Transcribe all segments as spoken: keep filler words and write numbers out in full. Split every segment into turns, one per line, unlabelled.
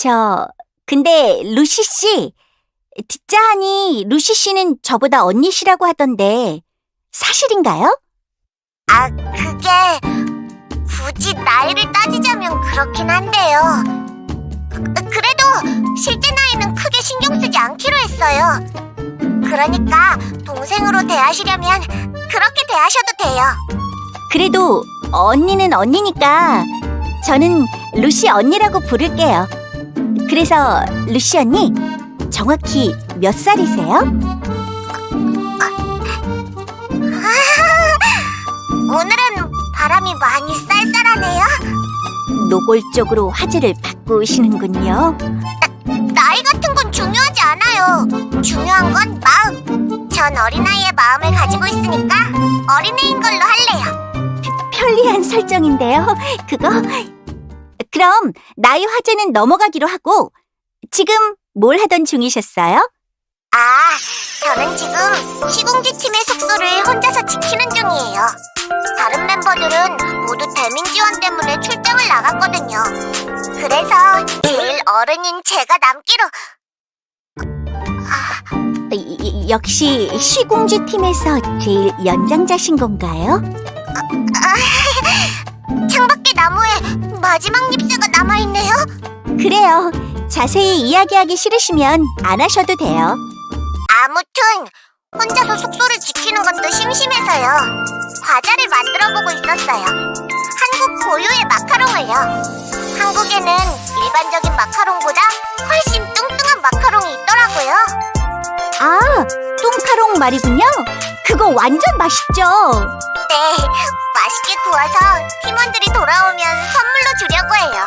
저, 근데 루시 씨, 듣자 하니 루시 씨는 저보다 언니시라고 하던데 사실인가요?
아, 그게 굳이 나이를 따지자면 그렇긴 한데요. 그- 그래도 실제 나이는 크게 신경 쓰지 않기로 했어요. 그러니까 동생으로 대하시려면 그렇게 대하셔도 돼요.
그래도 언니는 언니니까 저는 루시 언니라고 부를게요. 그래서 루시 언니, 정확히 몇 살이세요?
오늘은 바람이 많이 쌀쌀하네요.
노골적으로 화제를 바꾸시는군요.
나이 같은 건 중요하지 않아요. 중요한 건 마음. 전 어린아이의 마음을 가지고 있으니까 어린애인 걸로 할래요.
편리한 설정인데요, 그거. 그럼 나이 화제는 넘어가기로 하고 지금 뭘 하던 중이셨어요?
아, 저는 지금 시궁지 팀의 숙소를 혼자서 지키는 중이에요. 다른 멤버들은 모두 대민 지원 때문에 출장을 나갔거든요. 그래서 제일 어른인 제가 남기로.
이- 이- 역시 시궁지 팀에서 제일 연장자신 건가요?
창밖의 나무에 마지막 잎새가 남아있네요.
그래요. 자세히 이야기하기 싫으시면 안 하셔도 돼요.
아무튼 혼자서 숙소를 지키는 것도 심심해서요. 과자를 만들어보고 있었어요. 한국 고유의 마카롱을요. 한국에는 일반적인 마카롱보다 훨씬 뚱뚱한 마카롱이 있더라고요.
아, 뚱카롱 말이군요. 그거 완전 맛있죠.
네, 맛있게 구워서 팀원들이 돌아오면 선물로 주려고 해요.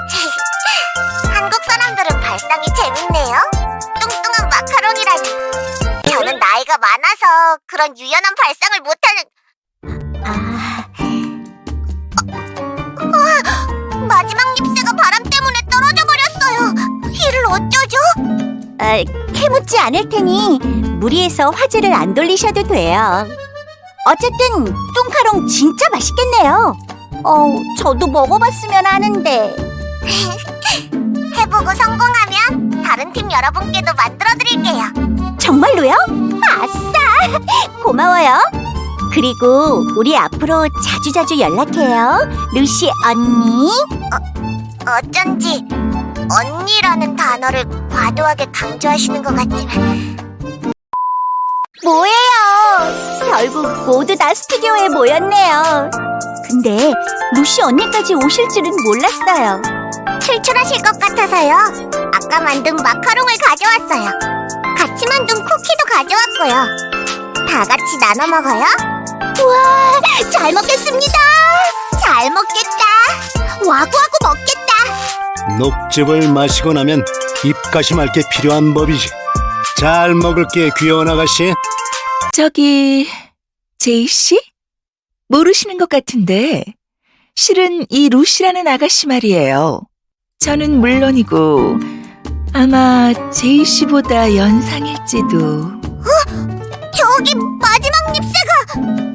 한국 사람들은 발상이 재밌네요. 뚱뚱한 마카롱이라니. 저는 나이가 많아서 그런 유연한 발상을 못하는.
아,
마지막 잎새가 바람 때문에 떨어져 버렸어요. 이를 어쩌죠?
아, 캐묻지 않을 테니 무리해서 화제를 안 돌리셔도 돼요. 어쨌든 뚱카롱 진짜 맛있겠네요. 어, 저도 먹어봤으면 하는데.
해보고 성공하면 다른 팀 여러분께도 만들어드릴게요.
정말로요? 아싸! 고마워요. 그리고 우리 앞으로 자주자주 연락해요. 루시 언니.
어쩐지 언니라는 단어를 과도하게 강조하시는 것 같지만. 뭐예요?
결국 모두 다 스튜디오에 모였네요. 근데 루시 언니까지 오실 줄은 몰랐어요.
출출하실 것 같아서요. 아까 만든 마카롱을 가져왔어요. 같이 만든 쿠키도 가져왔고요. 다 같이 나눠 먹어요.
우와, 잘 먹겠습니다.
잘 먹겠다. 와구와구 먹겠다.
녹즙을 마시고 나면 입가심할 게 필요한 법이지. 잘 먹을게, 귀여운 아가씨.
저기, 제이씨? 모르시는 것 같은데 실은 이 루시라는 아가씨 말이에요. 저는 물론이고 아마 제이씨보다 연상일지도.
저기 마지막 잎새가.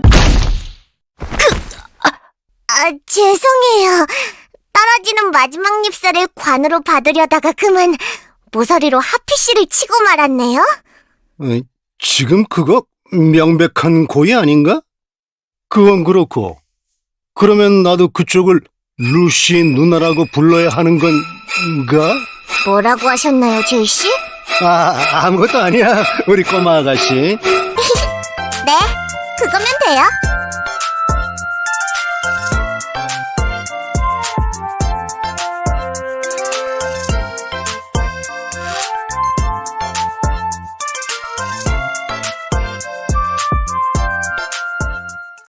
그, 아, 죄송해요. 떨어지는 마지막 잎새를 관으로 받으려다가 그만 모서리로 하피씨를 치고 말았네요.
어, 지금 그거 명백한 고의 아닌가? 그건 그렇고, 그러면 나도 그쪽을 루시 누나라고 불러야 하는 건가?
뭐라고 하셨나요, 제이씨?
아, 아무것도 아니야, 우리 꼬마 아가씨.
네, 그거면 돼요.